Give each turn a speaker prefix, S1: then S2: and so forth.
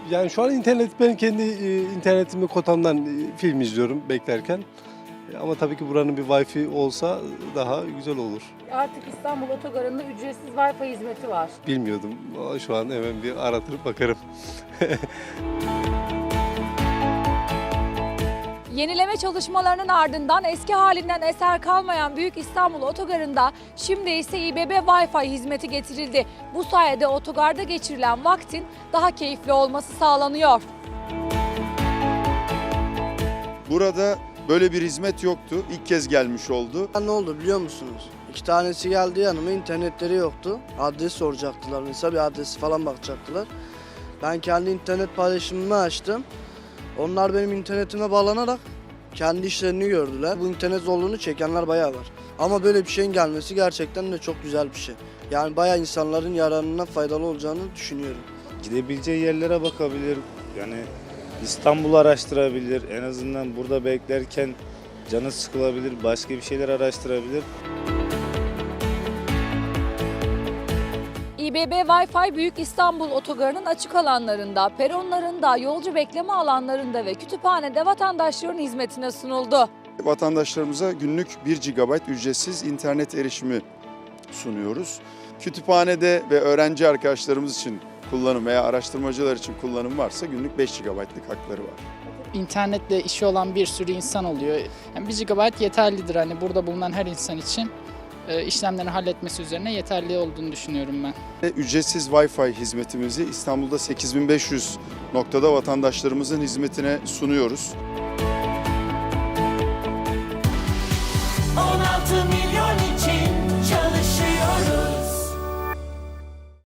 S1: Yani şu an ben kendi internetimi kotamdan film izliyorum beklerken. Ama tabii ki buranın bir Wi-Fi olsa daha güzel olur.
S2: Artık İstanbul Otogarı'nda ücretsiz Wi-Fi hizmeti var.
S1: Bilmiyordum. Şu an hemen bir aratırıp bakarım.
S3: Yenileme çalışmalarının ardından eski halinden eser kalmayan Büyük İstanbul Otogarı'nda şimdi ise İBB Wi-Fi hizmeti getirildi. Bu sayede otogarda geçirilen vaktin daha keyifli olması sağlanıyor.
S4: Burada böyle bir hizmet yoktu. İlk kez gelmiş oldu.
S5: Ne oldu biliyor musunuz? 2 tanesi geldi yanıma, internetleri yoktu. Adres soracaktılar mesela, bir adresi falan bakacaktılar. Ben kendi internet paylaşımımı açtım. Onlar benim internetime bağlanarak kendi işlerini gördüler. Bu internet zorluğunu çekenler bayağı var. Ama böyle bir şeyin gelmesi gerçekten de çok güzel bir şey. Yani bayağı insanların yararına faydalı olacağını düşünüyorum.
S6: Gidebileceği yerlere bakabilir. Yani İstanbul'u araştırabilir. En azından burada beklerken canı sıkılabilir. Başka bir şeyler araştırabilir.
S3: İBB Wi-Fi Büyük İstanbul Otogarı'nın açık alanlarında, peronlarında, yolcu bekleme alanlarında ve kütüphanede vatandaşların hizmetine sunuldu.
S4: Vatandaşlarımıza günlük 1 GB ücretsiz internet erişimi sunuyoruz. Kütüphanede ve öğrenci arkadaşlarımız için kullanım veya araştırmacılar için kullanım varsa günlük 5 GB'lık hakları var.
S7: İnternetle işi olan bir sürü insan oluyor. Yani 1 GB yeterlidir hani burada bulunan her insan için işlemlerini halletmesi üzerine yeterli olduğunu düşünüyorum ben.
S4: Ücretsiz Wi-Fi hizmetimizi İstanbul'da 8500 noktada vatandaşlarımızın hizmetine sunuyoruz.
S8: 16